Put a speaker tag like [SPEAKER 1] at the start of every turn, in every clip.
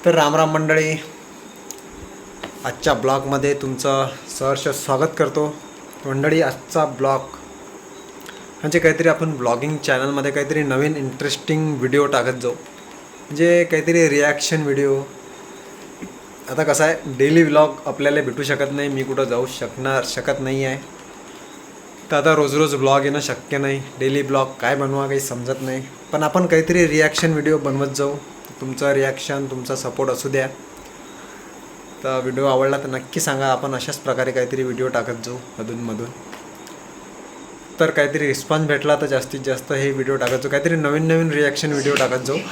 [SPEAKER 1] तर रामराम मंडळी, आजच्या ब्लॉगमध्ये तुमचं सहर्ष स्वागत करतो. मंडळी, आजचा ब्लॉग म्हणजे काहीतरी आपण ब्लॉगिंग चॅनलमध्ये काहीतरी नवीन इंटरेस्टिंग व्हिडिओ टाकत जाऊ, म्हणजे काहीतरी रिॲक्शन व्हिडिओ. आता कसं आहे, डेली व्लॉग आपल्याला भेटू शकत नाही, मी कुठं जाऊ शकत नाही आहे, तर आता रोज रोज ब्लॉग येणं शक्य नाही. डेली ब्लॉग काय बनवा काही समजत नाही, पण आपण काहीतरी रिॲक्शन व्हिडिओ बनवत जाऊ. तुमचं रिॲक्शन, तुमचा सपोर्ट असू द्या. तर व्हिडिओ आवडला तर नक्की सांगा. आपण अशाच प्रकारे काहीतरी व्हिडिओ टाकत जाऊ अधूनमधून. तर काहीतरी रिस्पॉन्स भेटला तर जास्तीत जास्त हे व्हिडिओ टाकत जाऊ, काहीतरी नवीन नवीन रिॲक्शन व्हिडिओ टाकत जाऊ.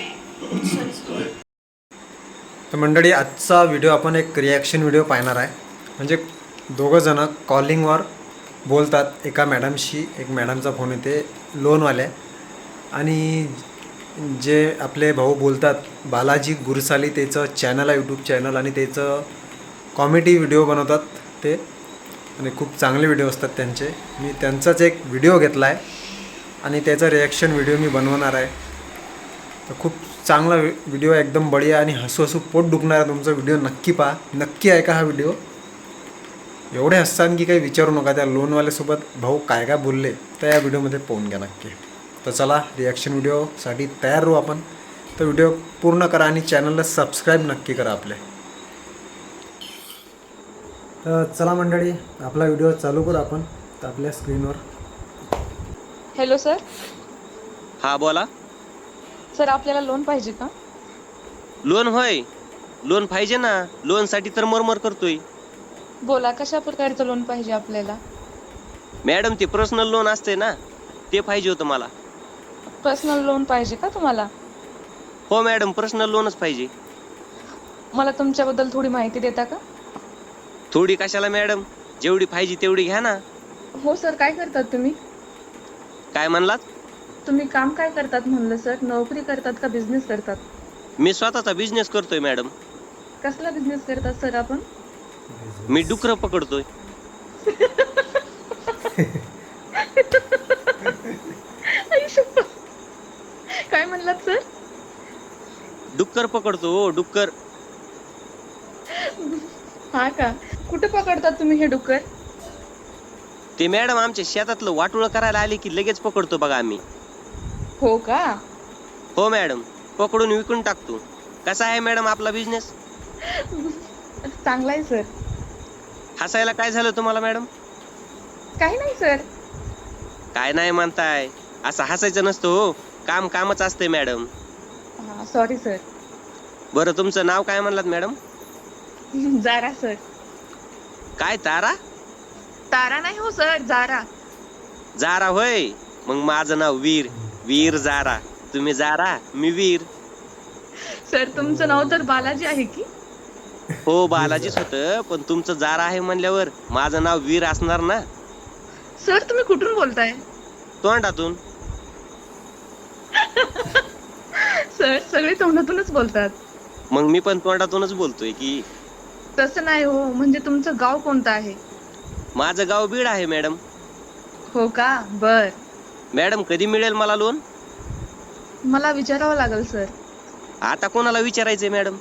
[SPEAKER 1] तर मंडळी, आजचा व्हिडिओ आपण एक रिॲक्शन व्हिडिओ पाहणार आहे. म्हणजे दोघंजणं कॉलिंगवर बोलतात एका मॅडमशी. एक मॅडमचा फोन येते लोनवाल्या, आणि जे आपले भाऊ बोलतात बालाजी गुरसाली, त्याचं चॅनल आहे यूट्यूब चॅनल, आणि त्याचं कॉमेडी व्हिडिओ बनवतात ते, आणि खूप चांगले व्हिडिओ असतात त्यांचे. मी त्यांचाच एक व्हिडिओ घेतला आहे आणि त्याचा रिॲक्शन व्हिडिओ मी बनवणार आहे. तर खूप चांगला व्हिडिओ, एकदम बढिया आणि हसू हसू पोट दुखणारा तुमचा व्हिडिओ. नक्की पहा, नक्की ऐका हा व्हिडिओ. एवढे हससान की काही विचारू नका. त्या लोनवाल्यासोबत भाऊ काय काय बोलले तर या व्हिडिओमध्ये पाहून घ्या नक्की. तर चला, रिॲक्शन व्हिडिओसाठी तयार राहू आपण. तर व्हिडिओ पूर्ण करा आणि चॅनलला सबस्क्राईब नक्की करा आपल्या. तर चला मंडळी, आपला व्हिडिओ चालू करू आपण. तर आपल्या स्क्रीनवर
[SPEAKER 2] हॅलो सर.
[SPEAKER 3] हा बोला.
[SPEAKER 2] सर, आपल्याला लोन पाहिजे का?
[SPEAKER 3] लोन होय, लोन पाहिजे ना. लोन साठी तर मरमर करतोय.
[SPEAKER 2] बोला, कशा प्रकारचं लोन पाहिजे आपल्याला?
[SPEAKER 3] मॅडम, ते पर्सनल लोन असते ना, ते पाहिजे होतं मला.
[SPEAKER 2] पर्सनल लोन पाहिजे का तुम्हाला?
[SPEAKER 3] हो मॅडम, पर्सनल लोनच पाहिजे.
[SPEAKER 2] मला तुमच्याबद्दल थोडी माहिती देता का?
[SPEAKER 3] थोडी कशाला मॅडम, जेवढी पाहिजे तेवढी घ्या ना.
[SPEAKER 2] हो सर, काय करतात तुम्ही?
[SPEAKER 3] काय म्हणलात?
[SPEAKER 2] तुम्ही काम काय करतात म्हणलं सर? नोकरी करतात का बिझनेस करतात?
[SPEAKER 3] मी स्वतःचा बिझनेस करतोय मॅडम.
[SPEAKER 2] कसला बिझनेस करतात सर आपण?
[SPEAKER 3] मी डुकरं पकडतोय.
[SPEAKER 2] आई शप्पथ. काय म्हणलात सर?
[SPEAKER 3] डुक्कर पकडतो हो, डुक्कर.
[SPEAKER 2] हा का? कुठे पकडतात तुम्ही हे डुक्कर?
[SPEAKER 3] ते मॅडम आमच्या शेतातलं वाटोळं करायला आले की लगेच पकडतो बघा आम्ही.
[SPEAKER 2] हो का?
[SPEAKER 3] हो मॅडम, पकडून विकून टाकतो. कसा आहे मॅडम आपला बिझनेस?
[SPEAKER 2] चांगला आहे सर.
[SPEAKER 3] हसायला काय झालं तुम्हाला मॅडम?
[SPEAKER 2] काही नाही सर.
[SPEAKER 3] काय नाही म्हणताय? असं हसायचं नसतं हो, काम कामच असतंय मॅडम.
[SPEAKER 2] हा, सॉरी सर.
[SPEAKER 3] बरं, तुमचं नाव काय म्हणलात मॅडम?
[SPEAKER 2] Zara sir.
[SPEAKER 3] काय, तारा?
[SPEAKER 2] तारा नाही हो सर, जारा.
[SPEAKER 3] जारा होय. मग माझं नाव वीर, वीर जारा. तुम्ही जारा, मी वीर.
[SPEAKER 2] सर, तुमचं नाव तर बालाजी आहे की?
[SPEAKER 3] हो, बालाजीच होतं, पण तुमचं जारा आहे म्हणल्यावर माझं नाव वीर असणार ना.
[SPEAKER 2] सर, तुम्ही कुठून बोलताय?
[SPEAKER 3] तोंडातून.
[SPEAKER 2] सर, सगळे तोंडातूनच बोलतात.
[SPEAKER 3] मग मी पण तोंडातूनच बोलतोय की.
[SPEAKER 2] तसं नाही हो, म्हणजे तुमचं गाव कोणतं आहे?
[SPEAKER 3] माझं गाव बीड आहे मॅडम.
[SPEAKER 2] हो का? बर.
[SPEAKER 3] मॅडम, कधी मिळेल मला लोन?
[SPEAKER 2] मला विचारावं लागेल सर.
[SPEAKER 3] आता कोणाला विचारायचंय मॅडम?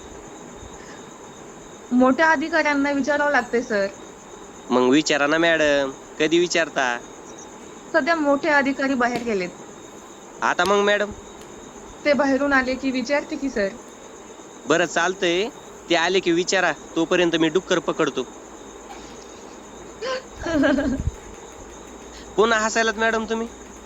[SPEAKER 2] मोठ्या अधिकाऱ्यांना विचारावं लागते सर.
[SPEAKER 3] मग विचारा ना मॅडम, कधी विचारता?
[SPEAKER 2] सध्या मोठे अधिकारी बाहेर गेलेत.
[SPEAKER 3] आता मग मॅडम?
[SPEAKER 2] ते बाहेरून आले की विचारते की सर.
[SPEAKER 3] बरं, चालतंय. ते आले की विचारा, तोपर्यंत मी डुक्कर पकडतो. पुन्हा हसायलात मॅडम तुम्ही?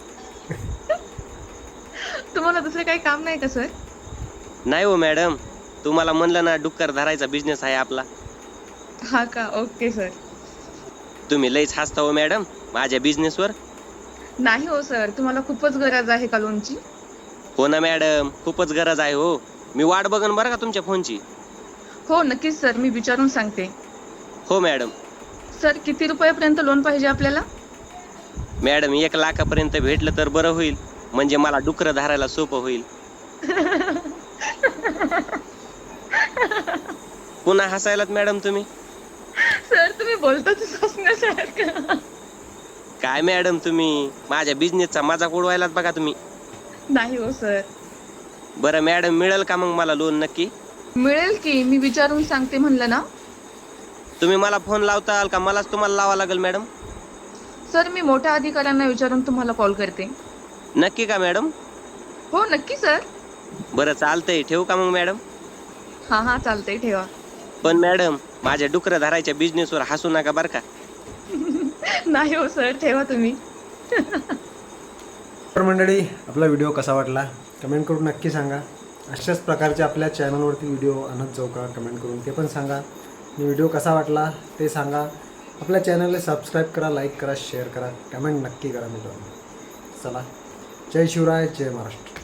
[SPEAKER 2] तुम्हाला दुसरे काही काम नाही का सर?
[SPEAKER 3] नाही हो मॅडम, तुम्हाला म्हणलं ना डुक्कर धरायचा बिझनेस आहे आपला.
[SPEAKER 2] हा का? Okay sir.
[SPEAKER 3] तुम्ही लईच हसता हो मॅडम माझ्या बिझनेसवर.
[SPEAKER 2] नाही हो सर, तुम्हाला खूपच गरज आहे का लोनची?
[SPEAKER 3] हो ना मॅडम, खूपच गरज आहे हो. मी वाट बघन बरं का तुमच्या फोनची.
[SPEAKER 2] हो नक्कीच सर, मी विचारून सांगते.
[SPEAKER 3] हो मॅडम.
[SPEAKER 2] सर, किती रुपयापर्यंत लोन पाहिजे आपल्याला?
[SPEAKER 3] मॅडम, 1 लाखापर्यंत भेटलं तर बरं होईल, म्हणजे मला डुकरं धरायला सोपं होईल. पुन्हा हसायलात मॅडम तुम्ही?
[SPEAKER 2] सर, तुम्ही बोलताच हसण्यासारखं.
[SPEAKER 3] काय मॅडम, तुम्ही माझ्या बिझनेसचा मजाक उडवायलात बघा तुम्ही.
[SPEAKER 2] नाही हो सर.
[SPEAKER 3] बरं मॅडम, मिळेल का मग मला लोन नक्की?
[SPEAKER 2] मिळेल की, मी विचारून सांगते म्हणलं ना.
[SPEAKER 3] तुम्ही मला फोन लावताल का मलाच तुम्हाला लावा लागेल मॅडम?
[SPEAKER 2] सर मी मोठ्या अधिकाऱ्यांना विचारून तुम्हाला कॉल करते.
[SPEAKER 3] नक्की का मॅडम?
[SPEAKER 2] हो नक्की सर.
[SPEAKER 3] बरं चालतंय, ठेवू का मग मॅडम?
[SPEAKER 2] हा चालतंय, ठेवा.
[SPEAKER 3] पण मॅडम माझ्या डुकरं धरायच्या बिझनेसवर हसू नका बरं का.
[SPEAKER 2] नाही हो सर, ठेवा तुम्ही.
[SPEAKER 1] तर मंडळी, आपला व्हिडिओ कसा वाटला कमेंट करून नक्की सांगा. अशाच प्रकारचे आपल्या चॅनलवरती व्हिडिओ आणत जाऊ का कमेंट करून ते पण सांगा. आणि व्हिडिओ कसा वाटला ते सांगा. आपल्या चॅनलला सबस्क्राईब करा, लाईक करा, शेअर करा, कमेंट नक्की करा मित्रांनो. चला, जय शिवराय, जय महाराष्ट्र.